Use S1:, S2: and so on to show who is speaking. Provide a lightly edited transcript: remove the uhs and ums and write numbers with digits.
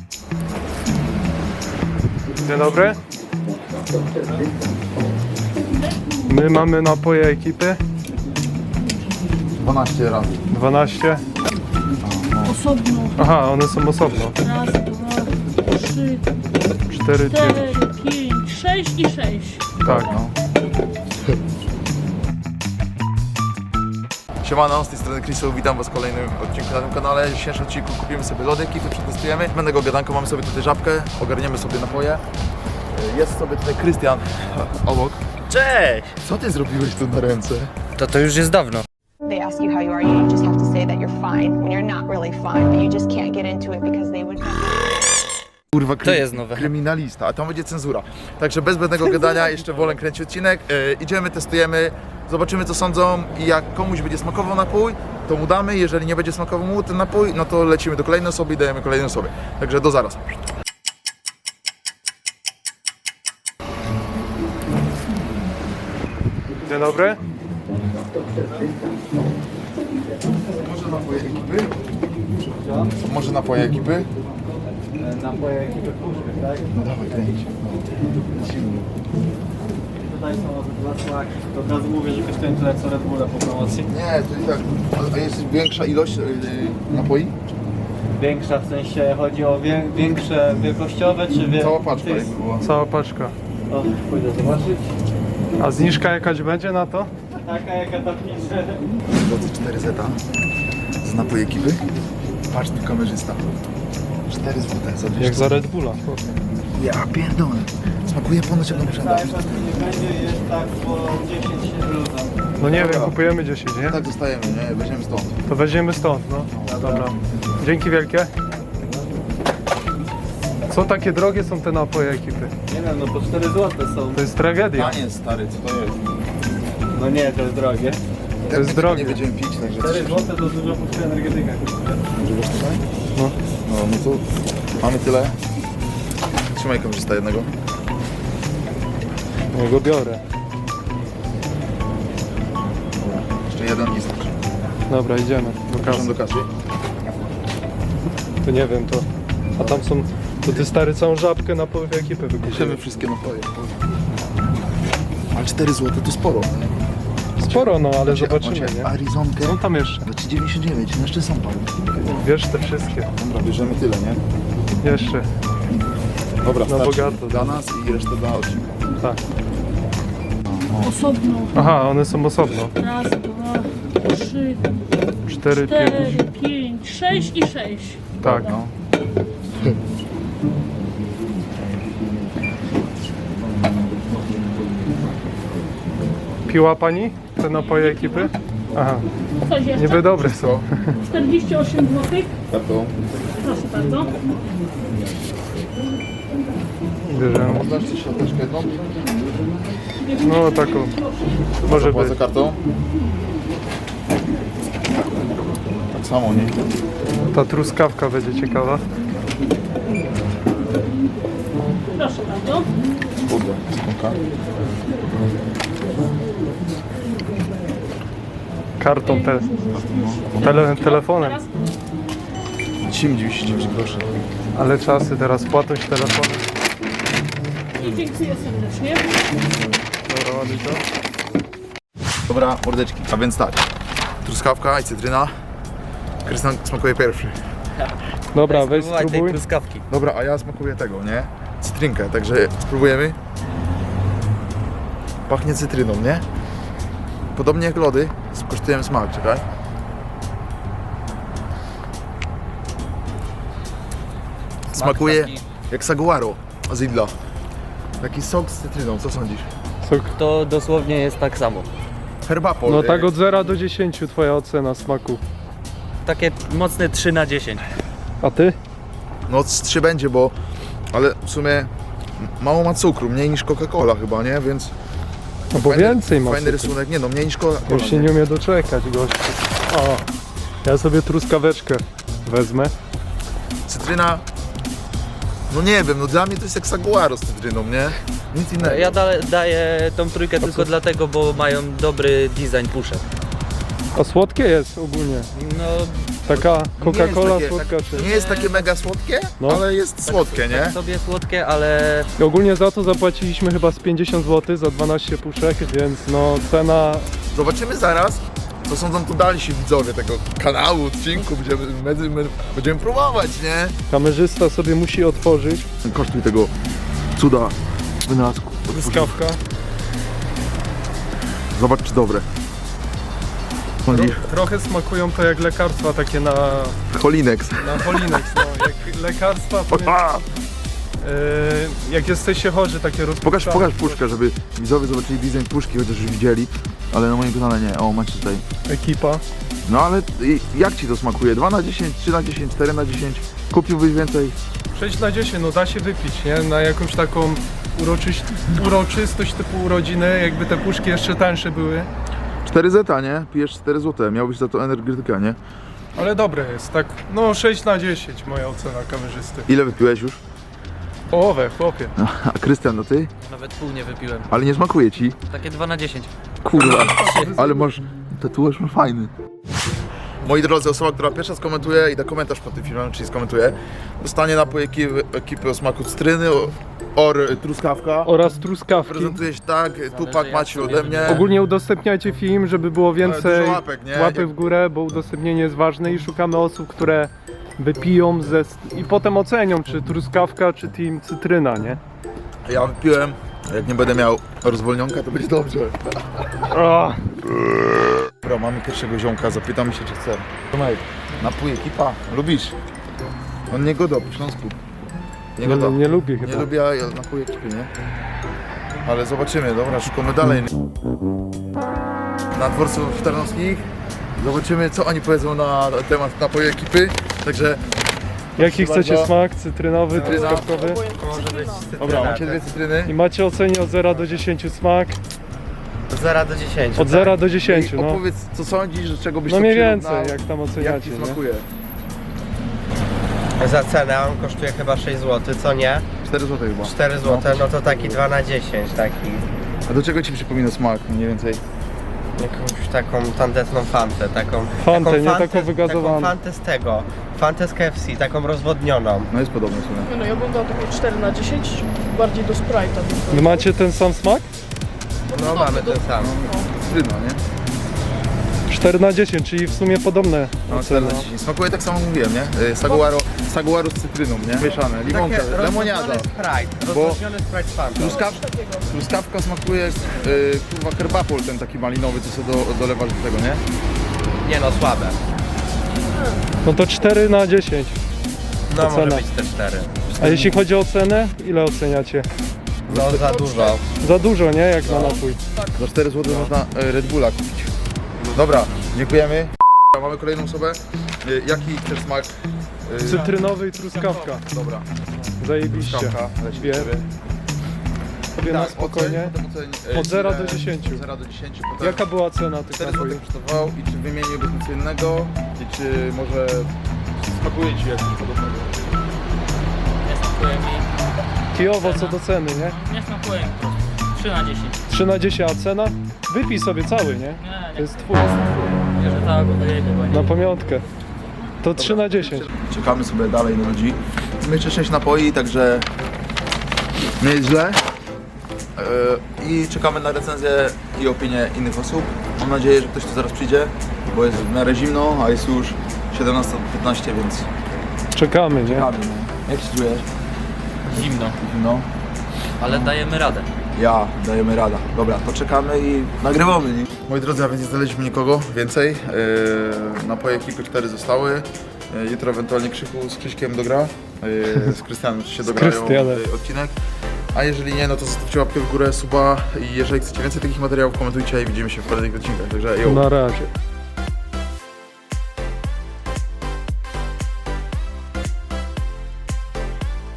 S1: Dzień dobry. My mamy napoje ekipy.
S2: 12 razy.
S1: 12.
S3: Osobno.
S1: Aha, one są osobno.
S3: Raz, dwa, trzy,
S1: 4, 5.
S3: 4, 5, 6 i 6.
S1: Tak.
S2: No. Siemano, z tej strony Chrisu, witam was w kolejnym odcinku na tym kanale. W dzisiejszym odcinku kupimy sobie lody, ekipy przetestujemy. Będę gadanko, mamy sobie tutaj żabkę, ogarniemy sobie napoje. Jest sobie tutaj Krystian obok.
S4: Cześć!
S2: Co ty zrobiłeś tu na ręce?
S4: To już jest dawno.
S5: They ask you how you are, you just have to say that you're fine when you're not really fine, but you just can't get into it because they would
S2: Kurwa,
S4: To jest nowe.
S2: kryminalista, a tam będzie cenzura. Także bez zbędnego gadania, jeszcze wolę kręcić odcinek. Idziemy, testujemy, zobaczymy co sądzą i jak komuś będzie smakował napój, to mu damy. Jeżeli nie będzie smakował mu ten napój, no to lecimy do kolejnej osoby i dajemy kolejnej osobie. Także do zaraz.
S1: Dzień dobry.
S2: Może napoje ekipy? Może napoje ekipy?
S6: Napoje ekipy puszkę, tak?
S2: No dawaj, kręć.
S6: Tutaj są dwa słaki. To od razu mówię, że kosztują tyle co Red Bulla po promocji.
S2: Nie, to i tak. A jest większa ilość napoi?
S6: Większa w sensie chodzi o większe wielkościowe czy
S2: Cała paczka jakby była.
S1: Cała paczka.
S6: O, pójdę zobaczyć.
S1: A zniżka jakaś będzie na to?
S6: Taka jaka to pisze.
S2: Drodzy 4 zeta z napoi ekipy. Patrz tu kamerzysta. 4 złote za 200.
S1: Jak za Red Bulla.
S2: Ja pierdolę. Smakuje ponoć jak on
S6: Cały czas nie będzie, jest tak po 10 bluzem.
S1: No nie wiem,
S2: Dobra.
S1: kupujemy 10, nie?
S2: Tak zostajemy, nie? Weźmiemy stąd.
S1: To weźmiemy stąd, no. Dobra. Dzięki wielkie. Co takie drogie są te napoje ekipy?
S6: Nie wiem, no po 4 złote są.
S1: To jest tragedia.
S2: Panie stary, co to jest?
S6: No nie, to jest drogie.
S1: To jest
S2: Tego
S1: drogie.
S2: Nie będziemy pić, także
S6: 4 złote to dużo puszka energetyka.
S2: Używasz tutaj?
S1: No.
S2: No to mamy tyle. Trzymaj kamerzysta jednego.
S1: Ja go biorę.
S2: Jeszcze jeden i starczy.
S1: Dobra, idziemy do
S2: Proszę
S1: kasy.
S2: do kasy.
S1: To nie wiem, to... A tam są... To ty stary całą żabkę napojów ekipy
S2: Bierzemy
S1: wykupiłeś.
S2: wszystkie napoje. Ale 4 zł to sporo.
S1: Sporo, no, ale zobaczymy,
S2: Macie
S1: nie?
S2: Arizonkę
S1: Są tam jeszcze.
S2: za 3,99. Jeszcze są panie.
S1: Wiesz te wszystkie.
S2: Dobra, bierzemy tyle, nie?
S1: Jeszcze.
S2: Dobra,
S1: Na
S2: starczy
S1: bogato.
S2: dla nas i resztę dla odcinka.
S1: Tak.
S3: Osobno.
S1: Aha, one są osobno.
S3: Raz, dwa, trzy,
S1: 4, 5.
S3: 4, 5, 6 i 6.
S1: Tak.
S2: No.
S1: Piła pani te napoje ekipy? Aha,
S3: Coś jeszcze?
S1: niby dobre są.
S3: 48 zł.
S2: Kartą.
S3: Proszę bardzo.
S1: Bierzemy.
S2: Dasz ci środeczkę jedną?
S1: No taką. Może
S2: Płacę
S1: być.
S2: kartą. Tak samo, nie?
S1: Ta truskawka będzie ciekawa.
S3: Proszę bardzo.
S2: Kurde, skąka.
S1: Kartą telefonem.
S3: Teraz
S2: 99 groszy.
S1: Ale czasy teraz płatność telefonem.
S3: i dziękuję serdecznie.
S1: Dobra, ładuj to.
S2: Dobra, mordeczki. A więc tak. Truskawka i cytryna. Krystian smakuje pierwszy.
S1: Dobra, weź
S4: Spróbuj tej
S1: spróbuj.
S4: truskawki.
S2: Dobra, a ja smakuję tego, nie? Cytrynkę, także spróbujemy. Pachnie cytryną, nie? Podobnie jak lody, skosztujemy smak, czekaj. Smakuje
S4: taki.
S2: jak saguaro z Lidla. Taki sok z cytryną, co sądzisz?
S1: Sok.
S4: To dosłownie jest tak samo.
S2: Herbapol.
S1: No tak od 0 do 10 twoja ocena smaku.
S4: Takie mocne 3 na 10.
S1: A ty?
S2: No z 3 będzie, bo... Ale w sumie mało ma cukru, mniej niż Coca-Cola chyba, nie? Więc...
S1: No bo więcej ma.
S2: Fajny
S1: cukru.
S2: rysunek, nie no, mniej niż Coca-Cola.
S1: Już się nie umie doczekać, gościu. O, ja sobie truskaweczkę wezmę.
S2: Cytryna... No nie wiem, no dla mnie to jest jak saguaro z cytryną, nie? Nic innego.
S4: Ja daję tą trójkę tylko dlatego, bo mają dobry design puszek.
S1: A słodkie jest ogólnie.
S4: No
S1: Taka Coca-Cola
S2: takie-
S1: słodka czy...
S2: Nie jest takie mega słodkie,
S1: No.
S2: ale jest słodkie, nie?
S4: Tak sobie słodkie, ale
S1: Ogólnie za to zapłaciliśmy chyba z 50 zł za 12 puszek, więc no cena...
S2: Zobaczymy zaraz, co sądzą tu dalsi widzowie tego kanału, odcinku, będziemy próbować, nie?
S1: Kamerzysta sobie musi otworzyć.
S2: Kosztuj tego cuda wynalazku.
S1: Truskawka.
S2: Zobacz, czy dobre. Sądzisz?
S1: Trochę smakują to jak lekarstwa takie na
S2: Holinex.
S1: Holinex, no. Jak lekarstwa, powiem,
S2: A!
S1: jak jesteście chorzy, takie
S2: Pokaż
S1: rozpuszczane.
S2: puszkę, żeby widzowie zobaczyli design puszki, chociaż już widzieli. Ale na moim kanale nie. O, macie tutaj.
S1: Ekipa.
S2: No ale jak ci to smakuje? 2 na 10, 3 na 10, 4 na 10? Kupiłbyś więcej?
S1: 6 na 10, no da się wypić, nie? Na jakąś taką uroczystość typu urodziny, jakby te puszki jeszcze tańsze były.
S2: 4 zeta, nie? Pijesz 4 zł, miałbyś za to energetyka, nie?
S1: Ale dobre jest, tak, no 6 na 10 moja ocena kamerzysty.
S2: Ile wypiłeś już?
S1: Połowę, chłopie.
S2: A Krystian, no ty?
S4: nawet pół nie wypiłem.
S2: Ale nie smakuje ci?
S4: Takie 2 na 10.
S2: Kurwa, ale masz, tatuaż ma fajny. Moi drodzy, osoba, która pierwsza skomentuje i da komentarz pod tym filmem, czyli skomentuje, dostanie napój ekipy o smaku cytryny, truskawka.
S1: Oraz truskawki.
S2: Prezentuje się tak, Tupak macie ode mnie.
S1: Ogólnie udostępniajcie film, żeby było więcej
S2: Dużo łapek, nie?
S1: łapy w górę, bo udostępnienie jest ważne i szukamy osób, które wypiją i potem ocenią, czy truskawka, czy team cytryna, nie?
S2: Ja wypiłem, jak nie będę miał rozwolnionka, to będzie dobrze.
S1: O,
S2: Dobra, mamy pierwszego ziomka, zapytamy się, czy chce. Tomek, napój ekipa, lubisz? On nie goda po Śląsku. Nie goda.
S1: nie lubię
S2: Nie
S1: chyba.
S2: lubię napój ekipy, nie? Ale zobaczymy, dobra, szukamy dalej. Na dworców tarnowskich zobaczymy, co oni powiedzą na temat napoju ekipy. Także,
S1: Jaki
S2: Proszę
S1: chcecie
S2: bardzo.
S1: smak? Cytrynowy,
S2: Cytryna.
S1: truskawkowy?
S2: dobra, macie 2 cytryny.
S1: I macie ocenię od 0 do 10 smak?
S4: Od 0 do 10.
S1: Od 0 do 10,
S2: I
S1: no.
S2: opowiedz, co sądzisz, że czego byś
S1: No
S2: to
S1: mniej
S2: przyrównał,
S1: więcej, jak tam
S2: jak
S1: oceniacie,
S2: ci
S1: nie?
S2: smakuje.
S7: Za cenę on kosztuje chyba 6 zł, co nie?
S2: 4 zł chyba.
S7: 4 zł, no to taki 2 na 10, taki
S2: A do czego ci przypomina smak mniej więcej?
S7: jakąś taką tandetną fantę, taką
S1: Fantę, nie
S7: fantę,
S1: taką wygazowaną.
S7: taką fantę z tego, fantę z KFC, taką rozwodnioną.
S2: No jest podobny w sumie.
S3: No ja bym dał takie 4 na 10, bardziej do Sprite'a.
S1: Wy macie ten sam smak?
S7: No mamy ten sam.
S2: Cytryna, nie?
S1: 4 na 10, czyli w sumie podobne
S2: No,
S1: oceny.
S2: smakuje tak samo mówiłem, nie? Saguaro z cytryną, nie? Mieszane, limonka,
S7: Takie
S2: lemoniada.
S7: rozwodniony Sprite, rozwodniony Sprite z fantą.
S2: Truskawka smakuje jak kurwa herbapol, ten taki malinowy, co sobie dolewasz do tego, nie?
S7: Nie no, słabe.
S1: No to 4 na 10.
S7: No może
S1: Ocena.
S7: być te 4.
S1: A jeśli chodzi o cenę, ile oceniacie?
S7: No za dużo.
S1: Za dużo, nie? Jak na napój.
S2: Za 4 zł można Red Bulla kupić. Dobra, dziękujemy. Mamy kolejną osobę. Jaki chcesz smak?
S1: Cytrynowy i truskawka.
S2: Dobra,
S1: Zajebiście.
S2: truskawka, leci
S1: Dwie.
S2: sobie.
S1: Sobie na
S2: Tak,
S1: spokojnie.
S2: oceń,
S1: Od 0
S2: ile-
S1: do 10.
S2: Od 0 do 10, potem
S1: Jaka była cena tych
S2: 4 zł
S1: napojów?
S2: kosztował i czy wymieniłbyś nic innego i czy może smakuje ci jakoś podobnego?
S8: Nie smakuje mi.
S1: Kijowo co do ceny, nie?
S8: Nie smakuje mi po prostu. 3 na 10.
S1: 3 na 10, a cena? Wypij sobie cały, nie?
S8: Nie,
S1: To
S8: nie.
S1: jest twój.
S8: Bierze całego do jego.
S1: Na pamiątkę. To 3 na 10.
S2: Czekamy sobie dalej na ludzi. My jeszcze 6 napoi, także nie jest źle. I czekamy na recenzję i opinię innych osób. Mam nadzieję, że ktoś tu zaraz przyjdzie, bo jest w miarę zimno, a jest już 17:15, więc
S1: Czekamy, nie?
S2: czekamy. No. Jak się czujesz?
S4: Zimno,
S2: Zimno?
S4: ale dajemy radę.
S2: Ja, dajemy rada. Dobra, to czekamy i nagrywamy. Nie? Moi drodzy, a więc nie znaleźliśmy nikogo więcej. Napoje ekipy 4 zostały. Jutro ewentualnie Krzychu z Krzyśkiem dogra. Z Krystianem się dograją
S1: Krystianem.
S2: odcinek. A jeżeli nie, no to zostawcie łapkę w górę, suba i jeżeli chcecie więcej takich materiałów, komentujcie i widzimy się w kolejnych odcinkach. Także yo.
S1: Na razie.